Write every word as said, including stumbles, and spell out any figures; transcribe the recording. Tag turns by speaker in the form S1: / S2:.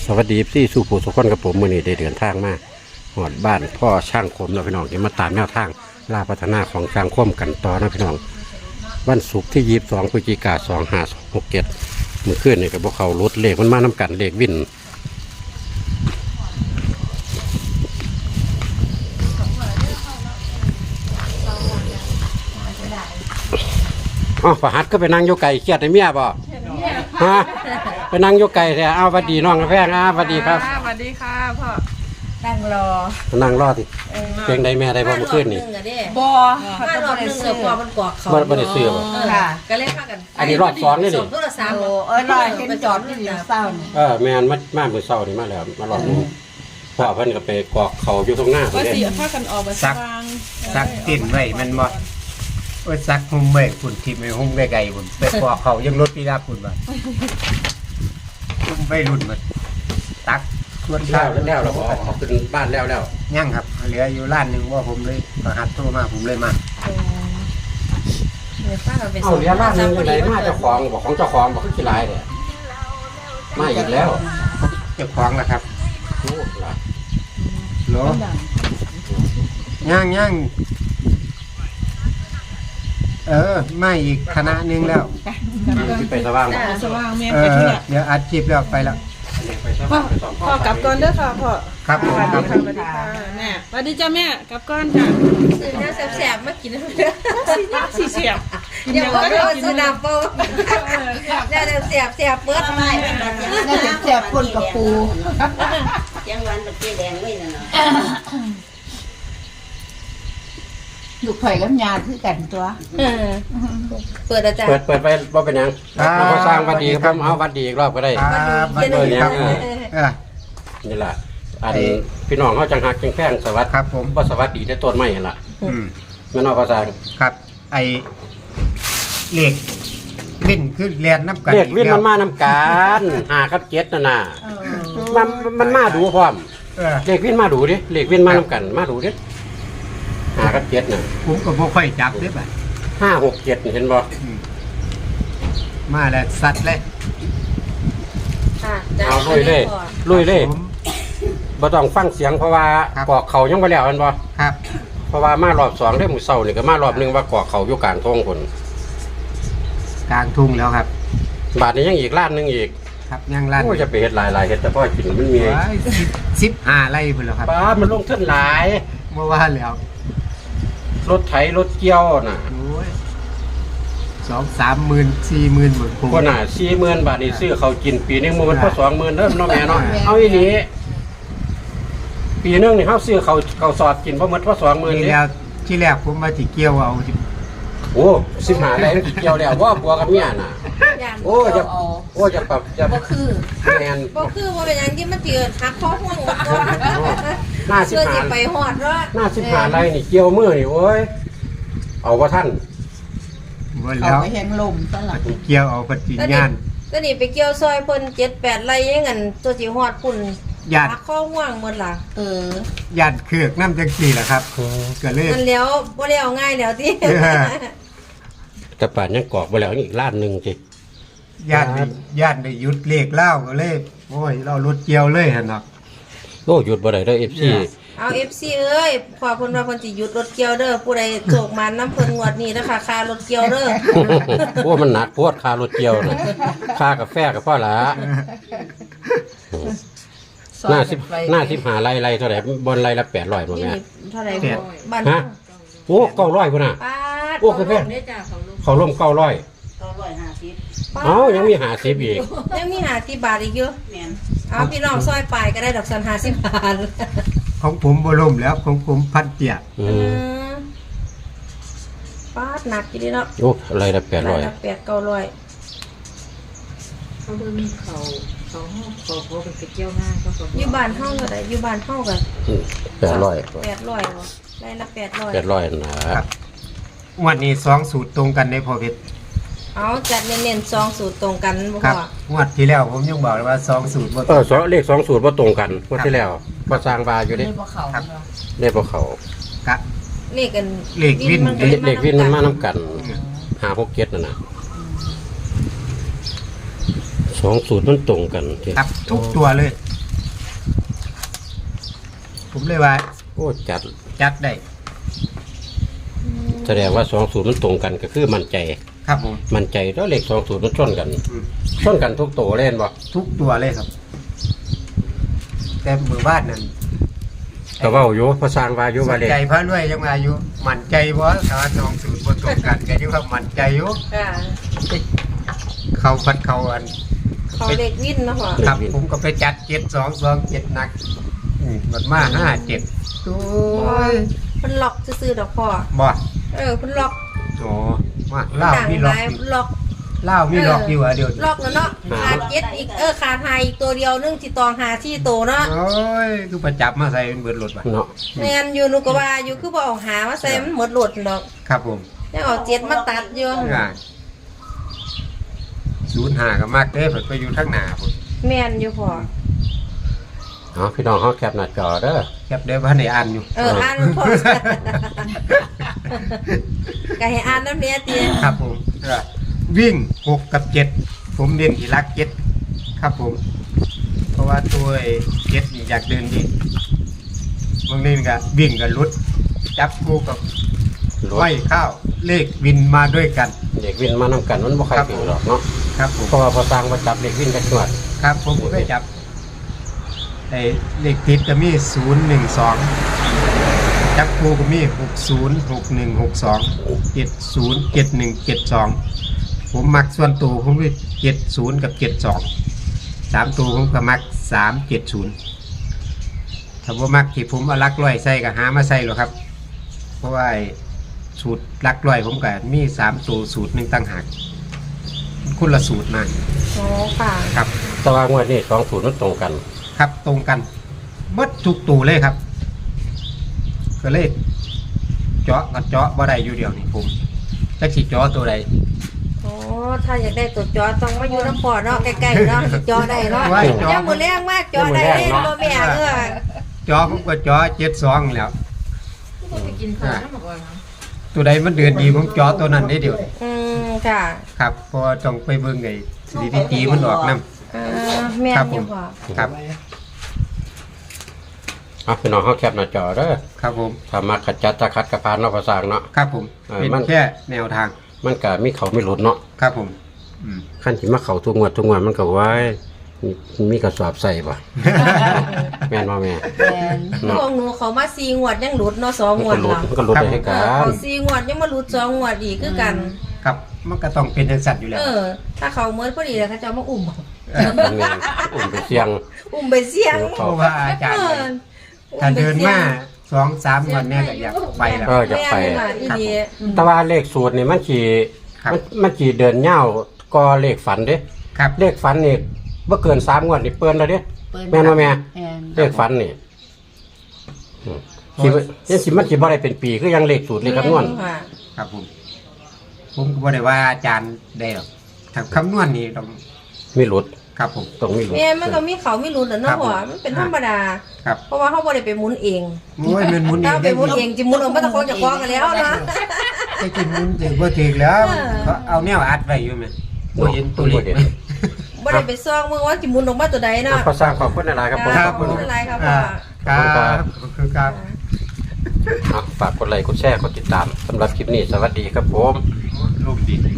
S1: สวัสดีพี่สุภูสุขคนกับผมมื่อนี้ได้เดินทางมาหอดบ้านพ่อช่างคมนะพี่น้องที่มาตามแนวทางล่าพัฒนาของช่างคมกันต่อนะพี่น้องวันศุกร์ที่ยี่สิบสองพฤศจิกายนสองห้าหกเจ็ดมือขึ้นนี่กับพวกเขาลดเลขมันมาน้ำกันเลขวินอ๋อประหัดก็ไปนั่งโยไก่เครียดในเมียบ่ฮะไปนั่งโยไก่แต่เอาวัดดีน้องกาแฟอ่ะวัดดีครับ
S2: สวัสดีค่ะพ่อ
S3: นั่งรอ
S1: นั่งรอสิเพลงใดแม่ใดบ่เมื่อคืนนี่
S2: บอ
S3: เขาจะบ่ได้เสิร์ฟพอมันกอกเขา
S1: บ่ได้เสื้อบ่
S3: ค่ะก็เลยพากัน
S1: อันนี้รอบสองนี่นี่
S3: โทรศัพท์เออรอเห็นจอดอยู่เศร้านี่
S1: เออแม่นมามามื้อเช้านี่มาแล้วมารอบนึงพ่อเพิ่นก็ไปกอกเขาอยู่ตรงหน้า
S2: ว่า
S1: เด้
S2: สิพากันออกมาสัก
S4: ซักติ่นไว้มันบ่โอ้ยซักหุ่มไว้ฝุ่นทิ่มไว้หุ่มไว้ไกลฝุ่นไปพอเขายังรถพี่ลาฝุ่นบ่หุ่มไว้รุ่นมันตักรถ
S1: ข้า
S4: ข้าว ว
S1: แล้วแล้วเราก็ออกขึ้นบ้านแล้วแล้ว
S4: ยังครับเหลืออยู่ร้านหนึงว่าผมเลยประหัดโทรมาผมเลยมา
S3: เนี่ยพากันไป
S1: เอาเหลือร้านนึงจังไดมาเจ้าของบอกของเจ้าของบ่คือขี้ลายเด้มาอีกแล้ว
S4: เจ้าของนะครับ
S1: โอ้ล่ะ
S4: โหลย่างย่างเออไม่อีกคณะหนึงแล้ว
S1: สิไปสว่างบ่
S2: สว่างแม่
S4: เอ
S2: ไป
S4: อ
S2: ที่ไหน
S4: เดี๋ยวอัดคลิปแล้วไปแล้ว
S1: ไปสว่างไปสอง
S2: พ่อกลับก่อนเด้อค่ะพ่อ
S4: ครับผม
S2: สวัส
S4: ค
S2: ดี
S4: รับ
S2: ค่ะสวัสดีค่ะแม่สวัสดีจ้าแม่กลับก่อนค่ะ
S3: ซื้อน้ำแสบๆมากินน้ำ
S2: สียากสีเสียบ
S3: เดี๋ยวบอกว่าซื้อน้ำเปล่าแล้วแสบแสบเปิดไม้
S5: น่าจะแซ่บคนกับปู
S6: ยังวันตะเกียแดงไม่น่ะเนาะ
S5: ลูกไผ่กับยาคือกันตัว
S3: เปิดอาจาร
S1: เปิด
S3: ย์
S1: เปิดไปบ่เป็นหยังเอาพอสร้างวัดดีครับผมเอาวัดดีอีกรอบก็ได้
S4: ครับ
S3: เย็น
S1: เออ
S3: นี้
S1: เนี่ย
S4: เออ
S1: นี่ล่ะอันพี่น้องเฮาจังหักจังแพงสวัสดิ์
S4: ครับผม
S1: บ่สวัสดีแต่ต้นไม้นั่นล่ะ
S4: อืม
S1: แม่นเอาภาษา
S4: ครับ ไอเหล็กวิ่นคือเรียนน้ำกัน
S1: เรียกวินมันมานํกันหากับเจ็ดนั่นน่ะมันมันมาดูพร้อม
S4: เออ
S1: เรียกวินมาดูดิเรียกวินมานํกันมาดูดิหากับเจ็ดน่ะ
S4: ผมก็บ่ค่อยจับเด้อบ่ะ
S1: ห้าหกเจ็ดเห็นบ่
S4: อืมมาแล้วสัตว์เลย
S1: เอาลุยเลยลุยเลย
S4: ผม
S1: บ่ต้องฟังเสียงเพราะว่า
S4: ครับ
S1: กอกเขายังบ่แล้วแม่นบ่
S4: ครับ
S1: เพราะว่ามารอบสองได้มื้อเช้านี่ก็มารอบหนึงว่ากอกเขาอยู่กลางท้องพุ่น
S4: กลางทุ่งแล้วครับ
S1: บาดนี้ยังอีกล้านหนึงอีก
S4: ครับยังลั่น
S1: โอ้ยจะไปเฮ็ดหลายๆเฮ็ดแต่พอกินมันมี
S4: ว้ายสิบสิบห้าไร่พุ่นแล้วครับ
S1: ป้ามันลงทุนหลาย
S4: เมื่อวานแล้ว
S1: รถไถรถเกี่ยวน่ะ
S4: โอ้ยสองสามหมื่นสี่หมื่นหมดผม
S1: คนน่ะสี่หมื่นบาทนี่ซื้อเขาวกินปีหนึงมันก็สองหมื่นเด้อเนาะแม่เนาะเอาอีหลีปีหนึงนี่เฮาซื้อเขาวเขาวสอบกินบ่หมดเพราะสองหมื่น
S4: นี่
S1: นี่
S4: แล้วที่แรกผมมาติเกี่ยวเอาที่
S1: โอ้สิบห้าได้เกี่ยวแล้วว่าผัวกับเมียน่ะโอ้จะโอ้จะปรับจะ
S3: บ่คือ
S1: แม่น
S3: บ่คือว่าเป็นอย่างที่มันเกิดหักข้อห่วงก่อน
S1: หน้าสิบ
S3: เพื่อ
S1: ห้า
S3: สิไปฮอดรอด
S1: หน้าสิบห้าไรนี่เกี่ยวมือนี่โอ้ยเอาบ่ทัน
S4: หมด
S5: เอา
S4: แล้ว
S5: ไปแหงลมตลอด
S4: ติเกี่ยวเอาปฏิญญาณ
S3: ก็นี่ไปเกี่ยวซอยเพิ่นเจ็ดแปดไร่ยังงั้นตัวสิฮอดพุ่น
S4: ญาติ
S3: หักข้อห่วงหมดล่ะ
S5: เออ
S4: ญาติเคือกน้ำจังสี่แหละครับก็เลย
S3: มันแล้วบ่ได้เอาง่ายแล้วติ
S4: เออ
S1: แต่ป่านยังกอกบ่แล้วอีกล้านหนึงสิ
S4: ญาติได้ญาติได้หยุดเลขเล่าก็เลยโอ้ยเรารถเกี่ยวเลยหั่นเนาะ
S1: โอ้หยุดบ่ได้เด้อ เอฟ ซี
S3: เอา เอฟ ซี เอ้ยขอเพิ่นว่าเพิ่นสิหยุดรถเกี่ยวเด้อผู้ใดโศกมันน้ำเพิ่นงวดนี้นะคะค่ารถเกี่ยวเด้อ
S1: โอ้มันหนักโพดค่ารถเกี่ยวน่ะค่ากาแฟก็พอละหน้าสิบหน้าสิบห้าไรไรเท่าไหร่บนไรละแปดร้อยบ่
S3: นี่
S1: แม่
S3: เท่าไหร่บ้าน
S1: ฮะโอ้เก้าร้อยพุ่นน่ะ
S3: ป้าด
S1: โอ้คือแพง
S6: ได้จ้าเขาลูก
S1: เขาร่มเก้าร้อย
S6: เขาร้อยห้าสิบ
S1: เอ้ายังมีหาสิบอีก
S3: ยังมีหาที่บาทอีกเยอะ
S6: แม่น
S3: เอาพี่น้องซอยปลายก็ได้ดอกสันห้าสิบบาท
S4: ของผมบ่ล่มแล้วของผมพันเตีย
S1: อื
S3: อื
S1: ม
S3: มป้าดหนักอยู่ดีเนาะ
S1: โอ้อะไรละแปดร้อย
S3: แปดเก้าร้อย
S6: เขาเพิ่งเขาเขาห้องเขาเขาเป็นไปเกี่ยวงานเขาก็
S3: อยู่บ้านเฮาก็ได้อยู่บ้านเฮากัน
S1: แปดร้อย
S3: แปดร้อยบ่ได้ละแปดร้อย
S1: แปดร้อยนะครับ
S4: งวดนี้สองสูตรตรงกันในพอเพชร
S3: เอาจัดเน้นๆซองสูตรตรงกันบ่
S4: ครับ
S3: พอง
S4: วดที่แล้วผมยังบอกเลยว่าสองสูตรบ่ต
S1: เอ
S4: ร
S1: อง สองเลขสองสูตรว่าตรงกันงวันที่แล้วพอสร้างบาอยู่ดิ
S5: ได้บ่เขา
S4: ครับ
S1: เลขพวกเขา
S4: กะ
S3: เลขกัน
S4: เลขวิน
S3: มัก็
S1: เล
S3: ลย
S1: ขเลขวินมันมาน้ำกันหาหกเจ็ดนั่นน่ะสองสูตรมันตรงกันที่
S4: ครับทุกตัวเลยผมเลยว่า
S1: โอ้จัด
S4: จัดได้
S1: แสดงว่าสองศูนย์มันตรงกันก็คือมั่นใจ
S4: ครับผม
S1: มั่นใจแล้วเลขสองศูนย์มันชนกัน
S4: อืม
S1: ชนกันทุกตัวเล่นบ่
S4: ทุกตัวเลยครับ แต่มือวาดนั้น
S1: ก็เว้าอยู่พอสร้างว่าอยู่
S4: ส
S1: ว่าน เลข
S4: ใจพระรวยยังมาอยู่มั่นใจบ่ถ้าสองศูนย์บ่ตรงกันก็ยังว่ามั่นใจอยู่
S3: ค่ะ
S4: เขาพัดเขาอัน
S3: เขาเด็กวินเนาะพ่อ
S4: ครับผมก็ไปจัดเจ็ดสองสองเจ็ดนักอืมบัดมาห้าเจ็ดโอ้ย
S3: มันล็อกซื่อๆดอกพ่อ
S4: บ่
S3: เออมันล็อก
S4: โอ้มาเล่า
S3: ดัง
S4: มี
S3: ห
S4: ล็อก
S3: ลาย
S4: อยู่
S3: ล็อก
S4: เล่ามีล็อกอยู่อ่ะเดี๋ยวนี้
S3: ล็อกแล้วเนาะขาดเจ็ดอีกเออขาดหายอีกตัวเดียวนึงที่ตองหาที่โตเนาะ
S4: โอ้ยคือประจับมาใส่เป็นเบิดรถว่ะ
S1: เนาะ
S3: แม่นอยู่หนูก็ว่าอยู่คือบ่เอาหามาใส่มันหมดโหลดดอก
S4: ครับผม
S3: ยังเอาเจ็ดมาตัดอยู่
S4: ศูนย์หากับมากเด้อเพิ่นไปอยู่ทางหน้าพุ่น
S3: แม่นอยู่พ่อ
S1: เอาพี่น้องเฮาแคปหน้าจอเด้อ
S4: แคบเด้อบ่ทันได้อ่านอยู่
S3: เอออ่านมันพ่อ ก็ให้อ่านน้ำเนี้ยตี
S4: ครับผมเออวิ่งหกกับเจ็ดผมเน้นที่รักเจ็ดครับผม เพราะว่าตัวไอ้เจ็ดนี่อยากเดินดีบางเล่นก็วิ่งกับรุดจับคู่กับ
S1: รถ
S4: ไว้ข้าวเลขวินมาด้วยกัน
S1: เด็กวินมานำกันมันบ่ใครผิวหรอกเนาะ
S4: ครับผม
S1: เพราะว่าพอสร้างว่าจับเด็กวินกันจวด
S4: ครับผมก็ได้จับไอ้เลขติดก็มีศูนย์หนึ่งสองจับคู่ก็มีหกศูนย์หกหนึ่งหกสองเจ็ดศูนย์เจ็ดหนึ่งเจ็ดสองผมมักส่วนตัวผมคือเจ็ดศูนย์กับเจ็ดสองสามตัวผมก็มักสามเจ็ดศูนย์ถ้าว่ามักที่ผมเอาลักร้อยใส่ก็หามาใส่หรอกครับ เพราะว่าไอ้สูตรลักร้อยผมก็มีสามตัวสูตรหนึ่งตั้งหากคุณละสูตรมา
S3: โอ้ค่ะ
S4: ครับ
S1: แต่ว่างวดนี้สองศูนย์มันตรงกัน
S4: ครับตรงกันเบิดทุกตัวเลยครับ ก็เลยเจาะกับเจาะบ่ได้อยู่เดียวนี่ผมจักสิเจาะตัวใด
S3: โอ้ถ้าอยากได้ตัวจอต้องมาอยู่น้ำพอเนาะใกล้ๆเนาะสิจอได้เนาะ
S4: ว่าจอ
S3: ยังมือแรงมากจอได้เล่นบ่แม่เออ
S4: เจาะผมก็เจาะเจ็ดสองแล้ว
S6: ไปกินข้าวน้ำบอกว่าเนาะ
S4: ตัวใดมันเดือนดีผมเจาะตัวนั้นได้เดียว
S3: อืมค่ะ
S4: ครับเพอต้องไปเบิ่งไอ้สถิติมันออกนํ
S3: อ่าแม่นอยู่พ่อ
S4: ครับ
S1: เอาพี่น้องเฮาแคปหน้าจอเด้อ
S4: ครับผม
S1: ถ้ามาขจัดตะคัดกระพานเนาะพอสร้างเนาะ
S4: ครับผม
S1: เออ
S4: เป็น
S1: มัน
S4: แค่แนวทาง
S1: มันก็มีเขามีหลุดเนาะ
S4: ครับผมอืม
S1: ขั้นที่มาเขาทุกงวดทุกงวดมันก็ไว้มีกระสอบใส่บ่ แม่นบ่แม่
S5: แม่น
S3: พวกหนูเขามาสี่งวดยังหลุดเนาะสอง
S1: มัน
S3: งว
S1: ก็
S3: ด
S1: หลุด
S3: เนาะ
S1: มันก็หลุดได้ให้กั
S3: เออน เขาสี่งวดยังมาหลุดสองงวดอีกคือกัน
S4: ครับมันก็ต้องเป็นจังสัตว์อยู่แล้ว
S3: เออ ถ้าเขาเมื่อพอดีแล้วเขาจะเอามาอุ้ม
S4: เออ
S1: แม่นอุ่นไปเสียง
S3: อุ้มไปเสี่ยง
S4: เพราะว่าอาจารย์
S3: เออ
S4: ถ้าเดินมาสองสามวันแม่ก็อยากไปแล้ว
S1: เออจะไป
S3: แม่นล่ะอีดี
S1: แต่ว่าเลขสูตรนี่มันสิ
S4: ครับ
S1: มันมันสิเดินยาวก็เลขฝันเด้
S4: ครับ
S1: เลขฝันนี่บ่เกินสามงวดนี่เปิ้นแล้วเด้ แม่นบ่แม่
S5: แม่น
S1: เลขฝันนี่อืมสิว่ายังสิมันสิบ่ได้เป็นปีคือยังเลขสูตรเลขคำนวณ
S3: ค่ะ
S4: ครับผม ผมก็บ่ได้ว่าอาจารย์ได้หรอกถ้าคำนวณนี่ต้อง
S1: มีหลุด
S4: ครับผม
S1: ต้องมีหลุด
S3: แม่มันก็มีเขามีรุนแล้ว
S4: ครั
S3: เนาะ
S4: บ
S3: พ่อมันเป็นธรรมดา
S4: ครับ
S3: เพราะว่าเขาบ่ได้ไปหมุนเอง
S4: โอ้ยมันหมุน
S3: ถ้า
S4: เอง
S3: ไป
S4: ได้
S3: หมุนเองจิหมุนเออกมาตะโกนจะคล้องกันแล้วนะ
S4: จะกินหมุนถึงบ่ถึงแล้ว
S3: เออ
S4: เขาเอาแนวอัดไว้อยู่แม่บ่เห็นตัวเลขไหม
S3: บ่ได้ไปซองมึงว่าจิหมุนออกมาตัวใดเนาะ
S1: ขอสร้างขอบคุณหลายๆครับผม
S3: ค
S4: ค
S3: รั
S4: รั
S3: บบ ขอบคุณหลายครับพ่อ
S4: อ่าครับคือครับ
S1: อ่ะฝากกดไลค์กดแชร์กดติดตามสำหรับคลิปนี้สวัสดีครับผม
S4: รูปดี